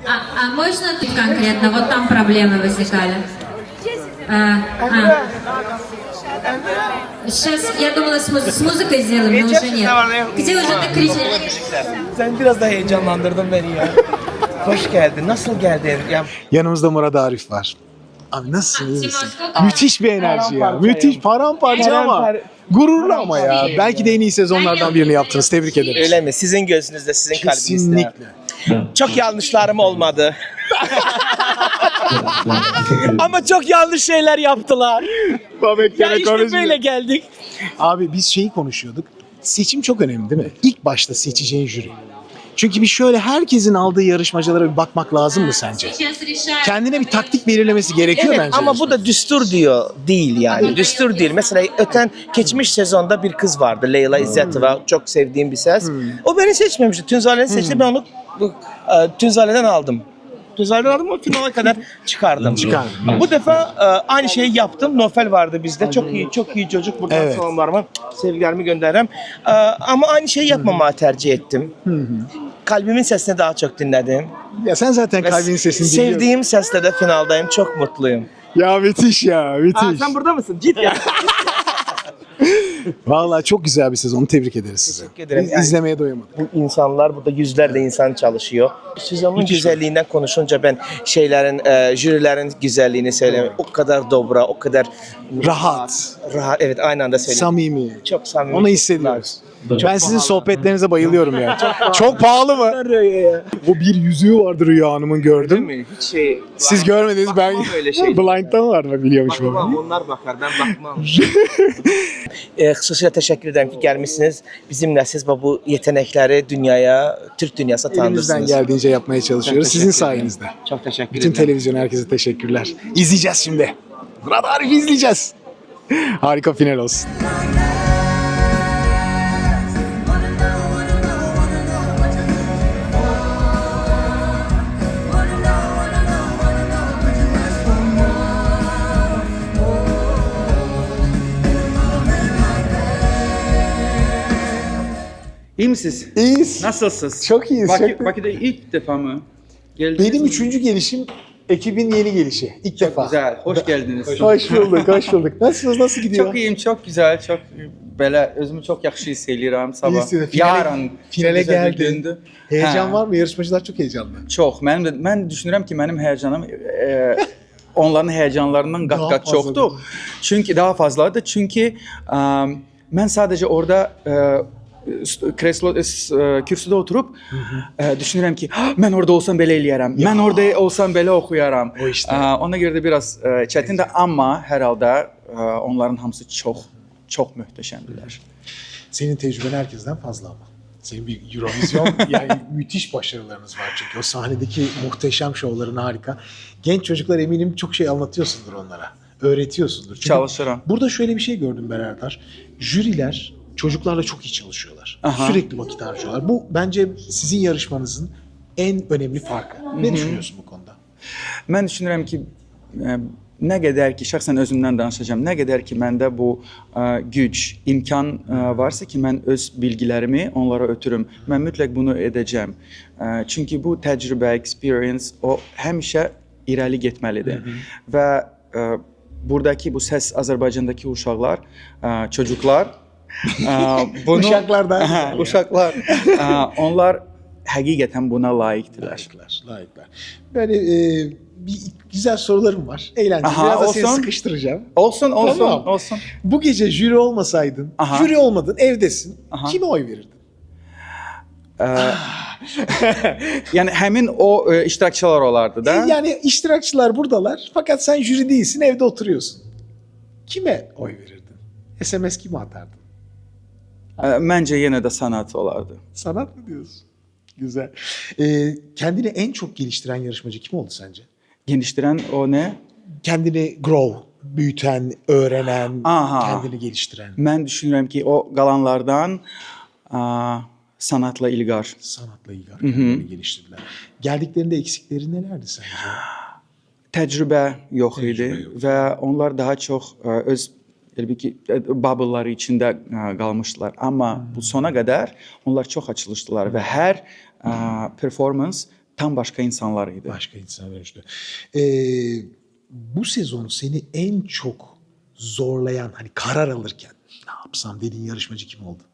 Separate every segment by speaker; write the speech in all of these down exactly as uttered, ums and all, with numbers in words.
Speaker 1: А, а можно тут конкретно? Вот там проблемы возникали. А, а. Сейчас, я думала, с, муз- с muzыкой сделаем, но уже нет. Где уже ты кричишь?
Speaker 2: Sen biraz da heyecanlandırdın beni ya. Hoş geldin. Nasıl geldin? Ya,
Speaker 3: Yanımızda Murat Arif var. Abi nasılsın? iyi misin?
Speaker 1: Timur,
Speaker 3: Müthiş bir enerji ya.
Speaker 2: Paramparça
Speaker 3: Müthiş
Speaker 2: ya.
Speaker 3: paramparça ama
Speaker 2: Parampar-
Speaker 3: gururlu ama ya. Belki de en iyi sezonlardan birini yaptınız. Tebrik ederiz.
Speaker 2: öyle mi? Sizin gözünüzde, sizin kalbinizde.
Speaker 3: Kesinlikle.
Speaker 2: Çok yanlışlarım olmadı. Ama çok yanlış şeyler yaptılar.
Speaker 3: Babek
Speaker 2: Ya
Speaker 3: gene
Speaker 2: işte
Speaker 3: konuşmuyor.
Speaker 2: böyle geldik.
Speaker 3: Abi biz şeyi konuşuyorduk. Seçim çok önemli değil mi? İlk başta seçeceğin jüri. Çünkü bir şöyle herkesin aldığı yarışmacılara bir bakmak lazım mı sence?
Speaker 1: Сейчас решаем.
Speaker 3: Kendine bir taktik belirlemesi gerekiyor
Speaker 2: Evet
Speaker 3: bence.
Speaker 2: ama bu da düstur diyor değil yani. Düstur değil. Mesela öten geçmiş sezonda bir kız vardı. Leyla İzzetova. Çok sevdiğim bir ses. O beni seçmemişti. Tünzale'ni seçti. Ben onu bu, e, Tünzale'den aldım. Tünzale'den aldım o finale kadar çıkardım.
Speaker 3: Çıkardın.
Speaker 2: Bu defa e, aynı şeyi yaptım. Nofel vardı bizde. Çok iyi, çok iyi çocuk. Buradan
Speaker 3: Evet.
Speaker 2: selamlarımı, sevgilerimi gönderirim. E, ama aynı şeyi yapmamayı tercih ettim. Kalbimin sesini daha çok dinledim.
Speaker 3: Ya sen zaten
Speaker 2: Ve
Speaker 3: kalbinin sesini dinliyorsun.
Speaker 2: sevdiğim sesle de finaldayım. Çok mutluyum.
Speaker 3: Ya müthiş ya müthiş.
Speaker 2: Aa, sen burada mısın? Git ya.
Speaker 3: Vallahi çok güzel bir sezon. Tebrik ederiz size.
Speaker 2: Teşekkür ederim.
Speaker 3: Biz
Speaker 2: Yani-
Speaker 3: izlemeye doyamadık.
Speaker 2: Bu insanlar, burada yüzlerce insan çalışıyor. Sezonun güzelliğinden konuşunca ben şeylerin, e, jürilerin güzelliğini söyleyeyim. O kadar dobra, o kadar
Speaker 3: Rahat,
Speaker 2: rahat. Evet, aynı anda söyleyeyim.
Speaker 3: samimi.
Speaker 2: Çok samimi.
Speaker 3: Onu hissediyoruz. Ben sizin sohbetlerinize bayılıyorum ya. Çok pahalı mı? Bu bir yüzüğü vardı Rüya Hanım'ın gördüm.
Speaker 2: mi? Hiç şey.
Speaker 3: Siz görmediniz ben.
Speaker 2: Bakmam öyle şey.
Speaker 3: Blind'dan var mı biliyormuş bu.
Speaker 2: Bakmam, onlar bakar, ben bakmam. e, xüsusilə təşəkkür edirəm ki, gəlmisiniz. Bizimlə siz bu yetenekleri dünyaya, Türk dünyasına
Speaker 3: Elimizden
Speaker 2: tanıdırsınız.
Speaker 3: geldiğince yapmaya çalışıyoruz. Sizin sayenizde.
Speaker 2: Çok teşekkür
Speaker 3: Bütün
Speaker 2: ederim.
Speaker 3: televizyon herkese teşekkürler. İzleyeceğiz şimdi. Murat Arif izleyeceğiz. Harika final olsun.
Speaker 4: İyi misiniz?
Speaker 3: İyiyiz.
Speaker 4: Nasılsınız?
Speaker 3: Çok iyiyiz,
Speaker 4: Bakü,
Speaker 3: çok-
Speaker 4: Bakü'de ilk defa mı? Geldiniz
Speaker 3: Benim
Speaker 4: mi?
Speaker 3: üçüncü gelişim, ekibin yeni gelişi. İlk
Speaker 4: Çok
Speaker 3: defa.
Speaker 4: güzel, hoş geldiniz.
Speaker 3: Hoş bulduk, hoş bulduk. Nasılsınız, nasıl gidiyor?
Speaker 4: Çok iyiyim, çok güzel, çok belə özümü çok yaxşı hiss eləyirəm sabah.
Speaker 3: İyisiniz. Finale-
Speaker 4: Yarın
Speaker 3: finale
Speaker 4: çox gözəl bir
Speaker 3: geldin.
Speaker 4: gündür.
Speaker 3: Heyecan
Speaker 4: Hə,
Speaker 3: var mı? Yarışmacılar çok heyecanlı.
Speaker 4: Çox. Mənim də mən düşünürəm ki, mənim həyəcanım e, onların həyəcanlarından
Speaker 3: Daha
Speaker 4: qat-qat
Speaker 3: fazladır.
Speaker 4: çoxdur. Çünki daha fazladır. Çünki ə, mən sadəcə orada ə, kreslo e, kürsüdə oturub ə, düşünürəm ki, "Ah, mən orada olsam belə eləyərəm. Mən orada olsam belə oxuyaram."
Speaker 3: O işte.
Speaker 4: Ə, ona görə də biraz ə, çətindir, amma hər halda ə, onların hamısı çox çox möhtəşəmdirlər.
Speaker 3: Senin tecrüben herkesten fazla ama. Senin bir Eurovision yani müthiş başarılarınız var çünkü o sahnedeki muhteşem şovların harika. Genç çocuklar eminim çok şey anlatıyorsundur onlara. Öğretiyorsundur. Çünkü
Speaker 4: Çalışıram.
Speaker 3: burada şöyle bir şey gördüm ben Erdar. Jüriler çocuklarla çok iyi çalışıyorlar.
Speaker 4: Aha.
Speaker 3: Sürekli vakit harcıyorlar. Bu bence sizin yarışmanızın en önemli farkı. Ne düşünüyorsun bu konuda?
Speaker 4: Mən düşünürəm ki, ə, nə qədər ki, şəxsən özümdən danışacağam, nə qədər ki məndə bu ə, güc, imkan ə, varsa ki, mən öz bilgilərimi onlara ötürüm. Mən mütləq bunu edəcəm. Ə, çünki bu təcrübə, experience o həmişə irəli getməlidir. Və ə, buradakı bu səs Azərbaycandakı uşaqlar, ə, çocuklar ə, bunu
Speaker 3: Uşaqlar da-
Speaker 4: Hə, uşaqlar ə, onlar həqiqətən buna layiqdirlər.
Speaker 3: Layıklar, layıklar. Böyle e, bir güzel sorularım var. Eğlenceli.
Speaker 4: Aha,
Speaker 3: Biraz da seni
Speaker 4: olsun.
Speaker 3: sıkıştıracağım.
Speaker 4: Olsun, olsun,
Speaker 3: Tamam.
Speaker 4: olsun.
Speaker 3: Bu gece jüri olmasaydın,
Speaker 4: Aha.
Speaker 3: jüri olmadın, evdesin.
Speaker 4: Aha.
Speaker 3: Kime oy verirdin?
Speaker 4: Yəni həmin o e, iştirakçılar olardı da.
Speaker 3: E, Yani iştirakçılar buradalar fakat sen jüri değilsin, evde oturuyorsun. Kime oy verirdin? S M S kime atardın?
Speaker 4: E, Məncə yenə də sanat olardı.
Speaker 3: Sanat mı diyorsun? Güzel. E, kendini en çok geliştiren yarışmacı kim oldu sence?
Speaker 4: Genişdirən o nə?
Speaker 3: Kendini grow, büyüten, öğrenen,
Speaker 4: Aha.
Speaker 3: kendini geliştiren.
Speaker 4: Mən düşünürəm ki, o qalanlardan a, sanatla İlqar.
Speaker 3: Sanatla ilgili kendini geliştirdiler. Geldiklerinde eksikleri nelerdi sence?
Speaker 4: Təcrübə yox idi
Speaker 3: Təcrübə yox.
Speaker 4: və onlar daha çox ə, öz elbə ki ə, bubbleları içində ə, qalmışdılar. Amma bu sona qədər onlar çox açılışdılar və hər ə, performans tam başka insanlar idi.
Speaker 3: Başka insana dönüştü. Ee, bu sezon seni en çok zorlayan, hani karar alırken ne yapsam dediğin yarışmacı kim oldu?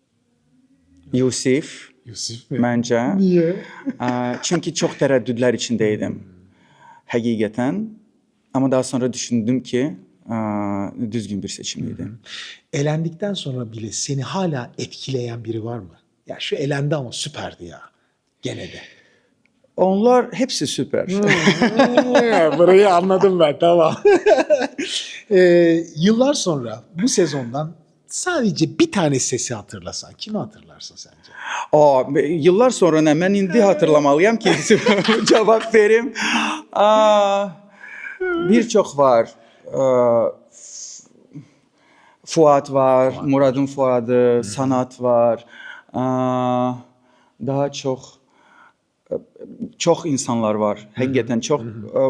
Speaker 4: Yusif
Speaker 3: Yusuf mi?
Speaker 4: məncə.
Speaker 3: Niye?
Speaker 4: Ə, Çünki çox tərəddüdlər içindəydim. Həqiqətən. Amma daha sonra düşündüm ki, ə, düzgün bir seçim idi.
Speaker 3: Elendikten sonra bile seni hala etkileyen biri var mı? Ya şu elendi ama süperdi ya. Gene de.
Speaker 4: Onlar hepsi süper.
Speaker 3: Burayı anladım ben, tamam. ee, yıllar sonra bu sezondan sadece bir tane sesi hatırlasan kimi hatırlarsın sence?
Speaker 4: Aa, yıllar sonra nə? Mən indi hatırlamalıyam ki, cavab verim. Aa, bir çox var. Aa, Fuat var, Muradın Fuadı, Sanat var. Aa, daha çox çox insanlar var. Həqiqətən çox.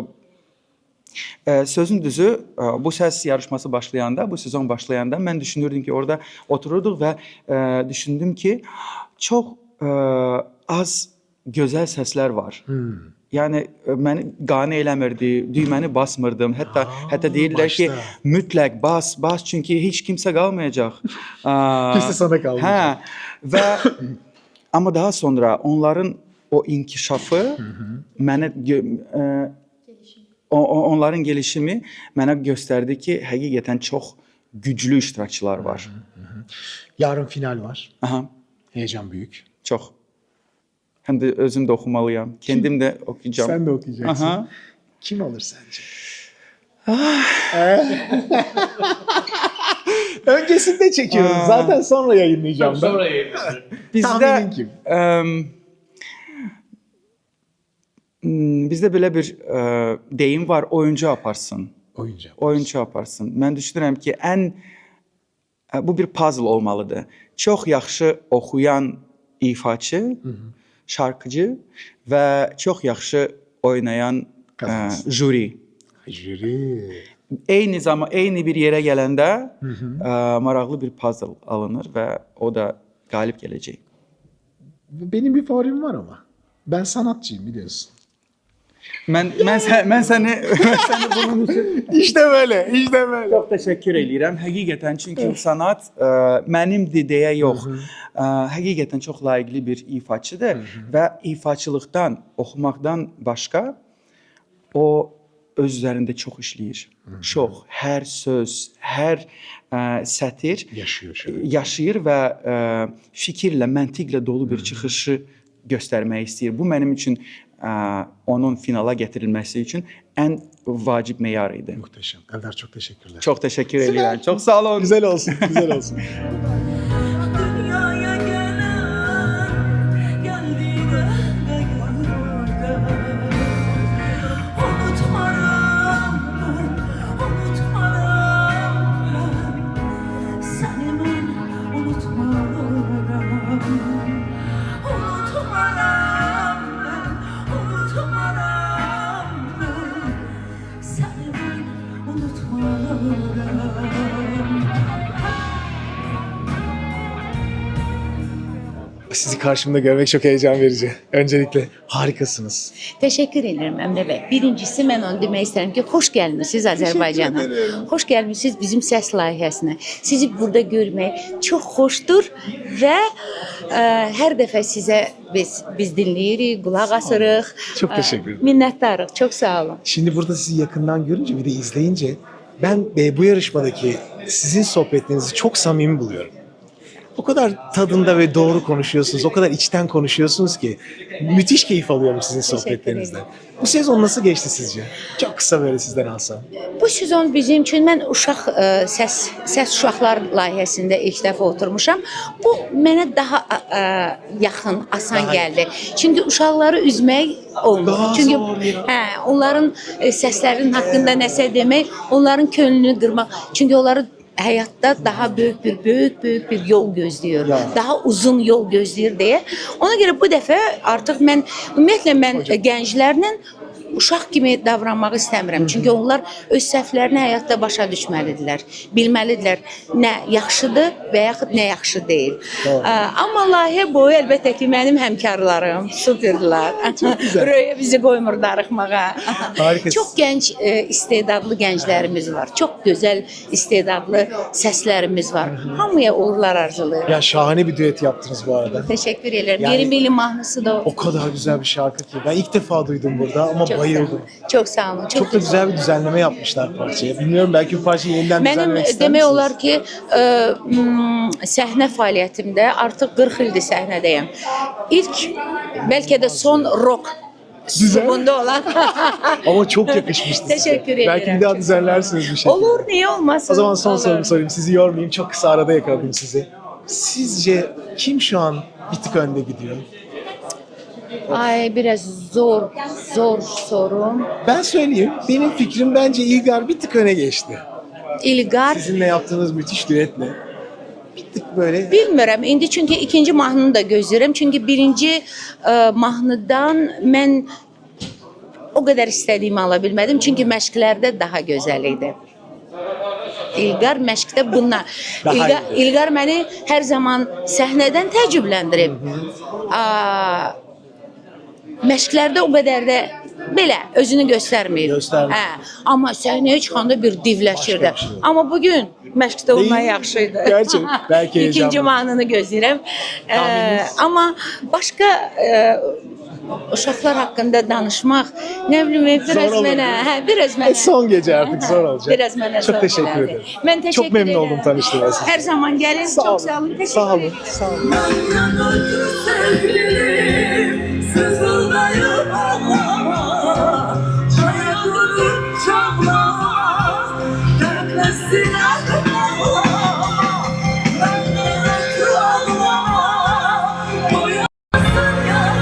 Speaker 4: Ə, sözün düzü, ə, bu səs yarışması başlayanda, bu sezon başlayanda mən düşünürdüm ki, orada otururduq və ə, düşündüm ki, çox ə, az gözəl səslər var.
Speaker 3: Hmm.
Speaker 4: Yəni ə, məni qane eləmirdi, düyməni basmırdım. Hətta
Speaker 3: Ha,
Speaker 4: hətta deyirlər ki,
Speaker 3: başda.
Speaker 4: mütləq bas, bas çünki heç kimsə qalmayacaq. Aa,
Speaker 3: Kimsə sana qalmayacaq.
Speaker 4: Hə. Və amma daha sonra onların o inkişafı mənə gö- ə, o, o- onların gelişimi mənə göstərdi ki, həqiqətən çox güclü iştirakçılar var.
Speaker 3: Yarın final var.
Speaker 4: Aha,
Speaker 3: Heyecan büyük.
Speaker 4: çox. Həm də özüm də oxumalıyam. Kendim də oxuyacağam.
Speaker 3: Sen de okuyacaksın.
Speaker 4: Aha.
Speaker 3: Kim alır sence? Öncesinde çekiyorum.
Speaker 4: Aa.
Speaker 3: Zaten sonra yayınlayacağım. ben.
Speaker 4: Bizdə
Speaker 3: Tahminin kim?
Speaker 4: əm, m, bizdə belə bir ə, deyim var, oyuncu aparsın.
Speaker 3: Oyuncu.
Speaker 4: Oyuncu aparsın. Mən düşünürəm ki, ən ə, bu bir puzzle olmalıdır. Çox yaxşı oxuyan ifaçı, şarkıcı və çox yaxşı oynayan ə,
Speaker 3: Kazansın.
Speaker 4: jüri.
Speaker 3: Jüri.
Speaker 4: Eyni zaman eyni bir yerə gələndə ə, maraqlı bir puzzle alınır və o da qalib gələcək.
Speaker 3: Benim bir favorim var ama. Ben sanatçıyım biliyorsun.
Speaker 4: Mən mən sən, mən səni mən səni bunun üçün
Speaker 3: İşte böyle, işte böyle.
Speaker 4: çox təşəkkür edirəm. Həqiqətən çünki sanat ə, mənimdir deyə yox. Ə, həqiqətən çox layiqli bir ifaçıdır və ifaçılıqdan, oxumaqdan başqa o öz üzərində çox işləyir. Çox, hər söz, hər ə, sətir
Speaker 3: Yaşıyor şöyle.
Speaker 4: yaşayır və ə, fikirlə, məntiqlə dolu bir çıxışı göstərmək istəyir. Bu mənim üçün ə, onun finala gətirilməsi üçün ən vacib meyar idi.
Speaker 3: Muhteşem. Eldar çok teşekkürler.
Speaker 4: Çox təşəkkür edirəm. Çox sağ olun.
Speaker 3: Güzel olsun, güzel olsun.
Speaker 5: Dünyaya gelen geldiğine gayrıda unutmaram ben, unutmaram ben seni ben unutmaram unutmaram ben, unutmaram ben seni ben unutmaram.
Speaker 3: Sizi karşımda görmek çok heyecan verici. Öncelikle harikasınız.
Speaker 6: Teşekkür ederim Emre Bey. Birincisi mən onu demək istəyirəm ki, xoş gəlmisiniz Azərbaycana. Xoş gəlmisiniz bizim səs layihəsinə. Sizi burada görmək çox xoşdur və ə, hər dəfə sizə biz biz dinləyirik, qulaq asırıq.
Speaker 3: Çok
Speaker 6: Ə,
Speaker 3: teşekkür ederim.
Speaker 6: Minnətdarıq. Çox sağ olun.
Speaker 3: Şimdi burada sizi yakından görünce bir de izleyince ben e, bu yarışmadaki sizin sohbetlerinizi çok samimi buluyorum. O kadar tadında ve doğru konuşuyorsunuz, o kadar içten konuşuyorsunuz ki müthiş keyif alıyorum sizin sohbetlerinizden. Bu sezon nasıl geçti sizce? Çok kısa böyle sizden alsam.
Speaker 6: Bu sezon bizim üçün mən uşaq ə, səs səs uşaqlar layihəsində ilk dəfə oturmuşam. Bu mənə daha ə, yaxın, asan
Speaker 3: Daha-
Speaker 6: gəldi. Çünki uşaqları üzmək olmur.
Speaker 3: Daha
Speaker 6: Çünki
Speaker 3: zor ya.
Speaker 6: hə, onların ə, səslərinin haqqında nəsə demək, onların könlünü qırmaq. Çünki onları həyatda daha böyük bir böyük böyük bir yol gözləyir.
Speaker 3: Ya.
Speaker 6: Daha uzun yol gözləyir deyə. Ona görə bu dəfə artıq mən ümumiyyətlə mən ə, gənclərlə uşaq kimi davranmaq istəmirəm. Çünki onlar öz səhvlərini həyatda başa düşməlidirlər. Bilməlidirlər nə yaxşıdır və yaxud nə yaxşı deyil. Ə, amma layihə boyu əlbəttə ki, mənim həmkarlarım superdirlər. Röya bizi qoymur darıxmağa.
Speaker 3: Harikasın.
Speaker 6: Çox gənc, e, istedadlı gənclərimiz var. Çox gözəl istedadlı səslərimiz var. Hamıya uğurlar arzulayıram.
Speaker 3: Ya şahane bir düet yaptınız bu arada.
Speaker 6: Teşekkür ederim.
Speaker 3: Yani-
Speaker 6: Yeni Milli mahnısı da o.
Speaker 3: O kadar güzel bir şarkı ki. Ben ilk defa duydum burada ama
Speaker 6: Çok sağ
Speaker 3: bayıldım.
Speaker 6: olun. Çok sağ olun. Çok,
Speaker 3: Çok da güzel bir düzenleme yapmışlar parçaya. Bilmiyorum belki bu parçayı yeniden
Speaker 6: Mənim
Speaker 3: düzenlemek ister
Speaker 6: demək
Speaker 3: misiniz?
Speaker 6: olar ki, ə, m, səhnə fəaliyyətimdə artıq qırx ildir səhnədəyəm. İlk bəlkə də son rock bunda olan.
Speaker 3: Ama çok yakışmıştı size.
Speaker 6: Teşekkür ederim.
Speaker 3: Belki bir daha düzenlersiniz bir şey.
Speaker 6: Olur, niye olmasın?
Speaker 3: O zaman son
Speaker 6: Olur.
Speaker 3: sorumu sorayım. Sizi yormayayım. Çok kısa arada yakaladım sizi. Sizce kim şu an bir tık önde gidiyor?
Speaker 6: Ay biraz zor, zor sorum.
Speaker 3: Ben söyleyeyim. Benim fikrim bence İlgar bir tık öne geçti.
Speaker 6: İlqar
Speaker 3: Sizinle yaptığınız müthiş düetle. Bir tık böyle
Speaker 6: bilmirəm. İndi çünki ikinci mahnını da gözləyirəm. Çünki birinci ə, mahnıdan mən o qədər istədiyimi ala bilmədim. Çünki məşqlərdə daha gözəl idi. İlqar məşqdə bununla.
Speaker 3: Daha
Speaker 6: İlqar,
Speaker 3: iyi.
Speaker 6: İlqar məni hər zaman səhnədən təəccübləndirib. Aa, məşqlərdə o qədər də belə özünü göstərmir.
Speaker 3: Göstərmir.
Speaker 6: Hə, amma səhnəyə çıxanda bir divləşirdi.
Speaker 3: Başqa bir şey.
Speaker 6: Amma bu gün məşqdə olmaq
Speaker 3: Değil.
Speaker 6: yaxşı idi.
Speaker 3: Gerçek. Belki
Speaker 6: İkinci
Speaker 3: heyecanlı.
Speaker 6: mahnını gözləyirəm. Ee,
Speaker 3: Tahmininiz?
Speaker 6: amma başqa e, uşaqlar haqqında danışmaq, nə bilim, biraz
Speaker 3: Zor olur,
Speaker 6: mənə,
Speaker 3: değil mi?
Speaker 6: hə, biraz mənə.
Speaker 3: E, son gece artık zor olacak.
Speaker 6: Biraz mənə
Speaker 3: Çok
Speaker 6: zor
Speaker 3: teşekkür
Speaker 6: gəldi.
Speaker 3: ederim.
Speaker 6: Mən təşəkkür
Speaker 3: Çok memnun
Speaker 6: edirəm.
Speaker 3: oldum tanıştığıma sizi.
Speaker 6: Hər zaman gəlin.
Speaker 3: Sağ
Speaker 6: Çox
Speaker 3: olun.
Speaker 6: sağ olun. Təşəkkür
Speaker 3: Sağ olun.
Speaker 6: ederim.
Speaker 3: Sağ olun.
Speaker 5: Yandan ötürü sevgilim sızıldayıp ağlama. Çaya durup çablama. Dertlesin ağlama. Benden ötürü ağlama. Boyasın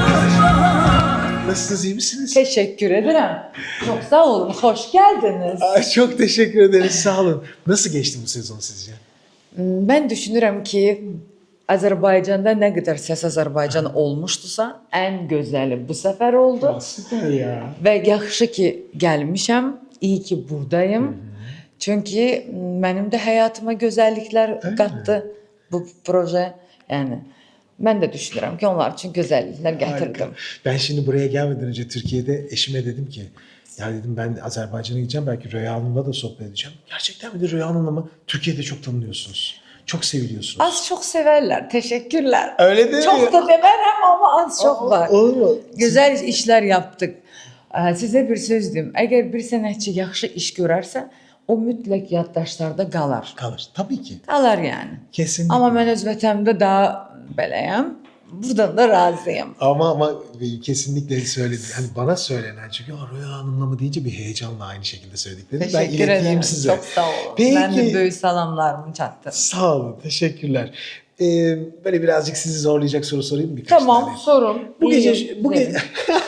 Speaker 5: yaşa.
Speaker 3: Nasılsınız, iyi misiniz?
Speaker 7: Teşekkür ederim. Çok sağ olun. Hoş geldiniz.
Speaker 3: Ay, çok teşekkür ederiz, sağ olun. Nasıl geçti bu sezon sizce?
Speaker 7: Ben düşünürüm ki Azerbaycan'da ne kadar Ses Azerbaycan olmuştusa en güzeli bu sefer oldu.
Speaker 3: Süper ya.
Speaker 7: Ve yaxşı ki gelmişim. İyi ki buradayım. Çünkü benim de hayatıma güzellikler kattı bu proje. Yani ben de düşünürüm ki onlar için güzellikler getirdim.
Speaker 3: Harika. Ben şimdi buraya gelmeden önce Türkiye'de eşime dedim ki ya dedim ben Azerbaycan'a gideceğim, belki Röya Hanım'la da sohbet edeceğim. Gerçekten mi de Röya Hanım'la mı? Türkiye'de çok tanınıyorsunuz. Çok seviliyorsunuz.
Speaker 7: Az çok severler. Teşekkürler.
Speaker 3: Öyle değil
Speaker 7: Çok
Speaker 3: mi?
Speaker 7: da demem ama az çok
Speaker 3: Aa,
Speaker 7: var.
Speaker 3: olur mu?
Speaker 7: Güzel işler yaptık. Ee, Size bir söz diyeyim. Eğer bir sənətçi yaxşı iş görərsə, o mütləq yaddaşlarda qalar.
Speaker 3: Kalır. Tabii ki.
Speaker 7: Qalar yəni.
Speaker 3: Kesinlikle.
Speaker 7: Amma mən öz vətənimdə daha beləyəm. Buradan da razıyım.
Speaker 3: Ama ama kesinlikle söyledi. Hani bana söylenen, çünkü "Ya Röya Hanım'la mı" deyince bir heyecanla aynı şekilde söylediklerini ben
Speaker 7: Teşekkür
Speaker 3: ileteyim
Speaker 7: ederim.
Speaker 3: size.
Speaker 7: Çok sağ olun.
Speaker 3: Peki.
Speaker 7: Ben de böyük salamlarımı çatdım.
Speaker 3: Sağ olun, teşekkürler. Ee, böyle birazcık sizi zorlayacak soru sorayım mı? Birkaç
Speaker 7: Tamam,
Speaker 3: tane?
Speaker 7: sorun.
Speaker 3: Bu gece
Speaker 7: İyiyim,
Speaker 3: bu, ge-
Speaker 7: güzelim.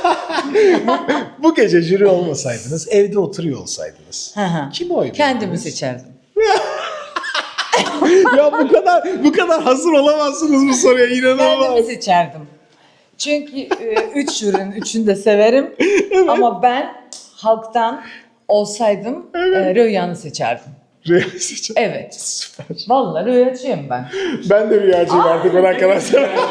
Speaker 3: bu gece jüri olmasaydınız, evde oturuyor olsaydınız.
Speaker 7: Hı hı.
Speaker 3: Kim oy
Speaker 7: Kendimi
Speaker 3: verirdiniz?
Speaker 7: seçerdim.
Speaker 3: Ya bu kadar bu kadar hazır olamazsınız bu soruya,
Speaker 7: Kendimi
Speaker 3: inanılmaz.
Speaker 7: seçerdim. Çünkü e, üç jürinin üçünü de severim. Ama ben halktan olsaydım e, Rüya'nı seçerdim.
Speaker 3: Rüya seçin.
Speaker 7: Evet.
Speaker 3: Süper.
Speaker 7: Vallahi Rüyacıyım ben.
Speaker 3: Ben de rüyacıyım artık ona kadar.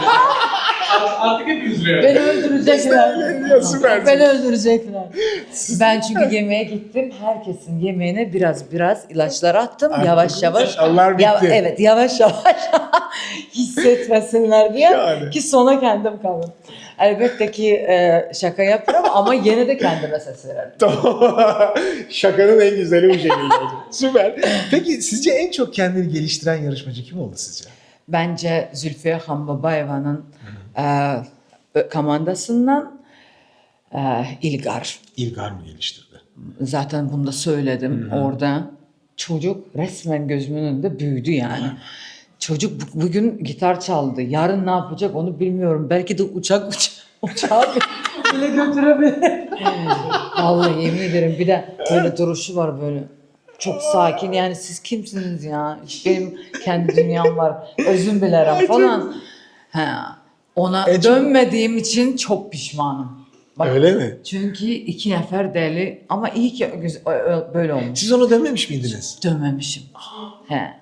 Speaker 7: Beni öldürecekler.
Speaker 3: Ya süpersin.
Speaker 7: Beni öldürecekler. Ben çünkü yemeğe gittim. Herkesin yemeğine biraz biraz ilaçlar attım. Yavaş yavaş.
Speaker 3: Allah bitti.
Speaker 7: Ya- evet yavaş yavaş hissetmesinler diye.
Speaker 3: Yani.
Speaker 7: Ki sona kendim kalın. Elbette ki e, şaka yapıyorum ama yine de kendime ses veririm.
Speaker 3: Tamam. Şakanın en güzeli bu şekilde. Süper. Peki sizce en çok kendini geliştiren yarışmacı kim oldu sizce?
Speaker 7: Bence Zülfiye Xanbabayeva'nın e, ö- komandasından e, İlgar.
Speaker 3: İlgar mı geliştirdi?
Speaker 7: Zaten bunu da söyledim orada. Çocuk resmen gözümün önünde büyüdü yani. Çocuk bu- bugün gitar çaldı. Yarın ne yapacak onu bilmiyorum. Belki de uçak uça uçağı bile götürebilir. Vallahi yemin ederim bir de böyle duruşu var böyle. Çok sakin yani siz kimsiniz ya? Benim kendi dünyam var. Özüm bilerim falan. Ha. Ona
Speaker 3: E, çok-
Speaker 7: dönmediğim için çok pişmanım. Bak,
Speaker 3: Öyle mi?
Speaker 7: Çünkü iki nefer deli ama iyi ki güz- ö- ö- böyle olmuş.
Speaker 3: Siz onu dememiş miydiniz?
Speaker 7: Dönmemişim. He.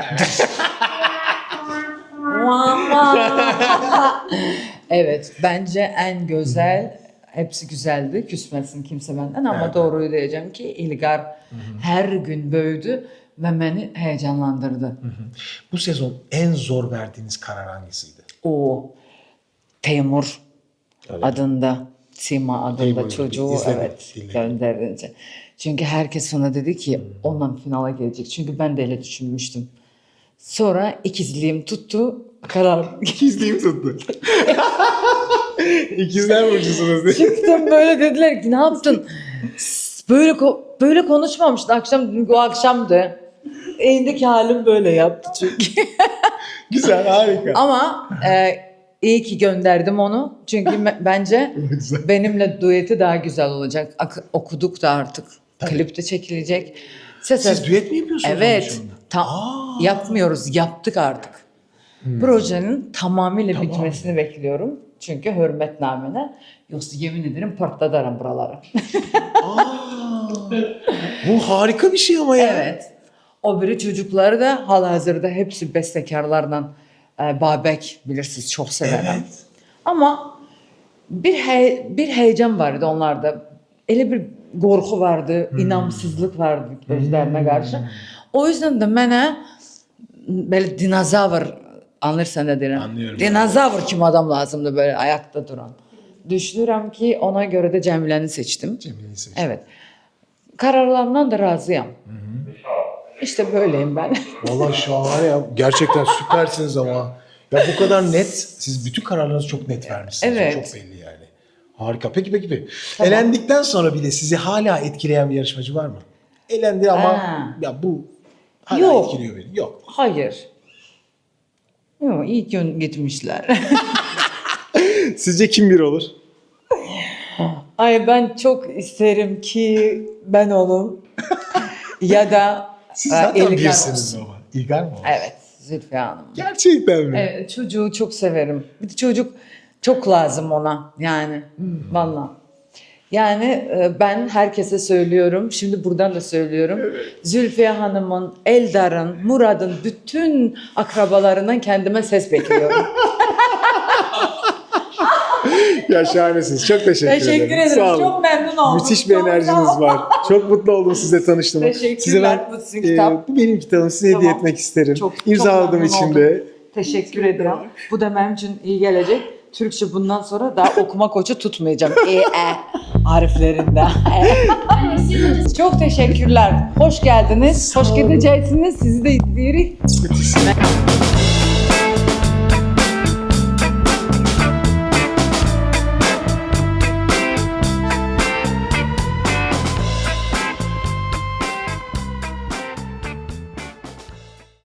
Speaker 7: Evet, bence en güzel, hepsi güzeldi. Küsmesin kimse benden ama
Speaker 3: Evet.
Speaker 7: doğruyu diyeceğim ki İlgar her gün büyüdü ve beni heyecanlandırdı.
Speaker 3: Bu sezon en zor verdiğiniz karar hangisiydi?
Speaker 7: O Teymur adında, Sima adında
Speaker 3: Teymur'u
Speaker 7: çocuğu
Speaker 3: izledim,
Speaker 7: evet
Speaker 3: dinledim.
Speaker 7: gönderince. Çünkü herkes bana dedi ki ondan finala gelecek. Çünkü ben de öyle düşünmüştüm. Sonra ikizliğim tuttu, karar
Speaker 3: İkizliğim tuttu. İkizler burcusunuz diye.
Speaker 7: çıktım böyle dediler ki ne yaptın? Böyle ko- böyle konuşmamıştı akşam, dedim ki o akşamdı. Elindeki halim böyle yaptı çünkü.
Speaker 3: Güzel, harika.
Speaker 7: Ama e, iyi ki gönderdim onu. Çünkü me- bence
Speaker 3: Güzel.
Speaker 7: benimle dueti daha güzel olacak. Ak- okuduk da artık.
Speaker 3: Tabii.
Speaker 7: Klip de çekilecek. Ses
Speaker 3: Siz düet mi yapıyorsunuz?
Speaker 7: Evet.
Speaker 3: onun dışında?
Speaker 7: Tam
Speaker 3: Aa.
Speaker 7: yapmıyoruz. Yaptık artık. Projenin tamamıyla
Speaker 3: Tamam.
Speaker 7: bitmesini bekliyorum. Çünkü hürmetnamene. Yoksa yemin ederim patladarım buraları.
Speaker 3: Aa, bu harika bir şey ama ya.
Speaker 7: Evet. O biri çocukları da halihazırda hepsi bestekarlardan. E, Babek bilirsiniz çok severim.
Speaker 3: Evet.
Speaker 7: Ama bir he- bir heyecan vardı onlarda. Öyle bir korku vardı, inamsızlık vardı gözlerine karşı. O yüzden de bana böyle dinozavr anlarsan ne derim.
Speaker 3: Anlıyorum.
Speaker 7: Dinozavr kim adam lazımdı böyle ayakta duran. Düşünürüm ki ona göre de Cemile'ni seçtim.
Speaker 3: Cemile'yi seçtim.
Speaker 7: Evet. Kararlarımdan da razıyım. İşte böyleyim ben.
Speaker 3: Vallahi şahane ya. Gerçekten süpersiniz ama. Ya bu kadar net. Siz bütün kararlarınızı çok net vermişsiniz.
Speaker 7: Evet.
Speaker 3: Çok belli yani. Harika. Peki peki peki.
Speaker 7: Tamam.
Speaker 3: Elendikten sonra bile sizi hala etkileyen bir yarışmacı var mı? Elendi ama
Speaker 7: Ha.
Speaker 3: ya bu hala
Speaker 7: Yok.
Speaker 3: etkiliyor beni. Yok.
Speaker 7: Hayır. Yok, iyi ki gitmişler.
Speaker 3: Sizce kim bir olur?
Speaker 7: Ay ben çok isterim ki ben olum. Ya da
Speaker 3: Siz
Speaker 7: e,
Speaker 3: zaten
Speaker 7: İlgar
Speaker 3: birsiniz
Speaker 7: olsun.
Speaker 3: ama. İlgar mı?
Speaker 7: Evet, Zülfiye Hanım.
Speaker 3: Gerçekten mi?
Speaker 7: Evet, çocuğu çok severim. Bir de çocuk çok lazım ona yani. Vallahi. Yani e, ben herkese söylüyorum, şimdi buradan da söylüyorum. Zülfiye Hanım'ın, Eldar'ın, Murad'ın bütün akrabalarından kendime ses bekliyorum.
Speaker 3: Ya şahanesiniz. Çok teşekkür,
Speaker 7: Teşekkür
Speaker 3: ederim.
Speaker 7: ederim.
Speaker 3: Sağ olun.
Speaker 7: Çok memnun oldum.
Speaker 3: Müthiş bir
Speaker 7: Çok
Speaker 3: enerjiniz
Speaker 7: sağ olun.
Speaker 3: var. Çok mutlu oldum sizle tanıştığıma.
Speaker 7: Teşekkürler.
Speaker 3: Size ben,
Speaker 7: Bu sizin kitap.
Speaker 3: bu benim kitabım. Size hediye
Speaker 7: Tamam.
Speaker 3: etmek isterim.
Speaker 7: Çok- çok
Speaker 3: İmzaladım
Speaker 7: memnun
Speaker 3: içinde.
Speaker 7: oldum. Teşekkür ederim. Bu da benim için iyi gelecek. Türkçe bundan sonra daha okuma koçu tutmayacağım. E, e harflerinde. E. Çok teşekkürler. Hoş geldiniz. Hoş gideceksiniz. Sizi de izleyerek.
Speaker 3: Müthiş.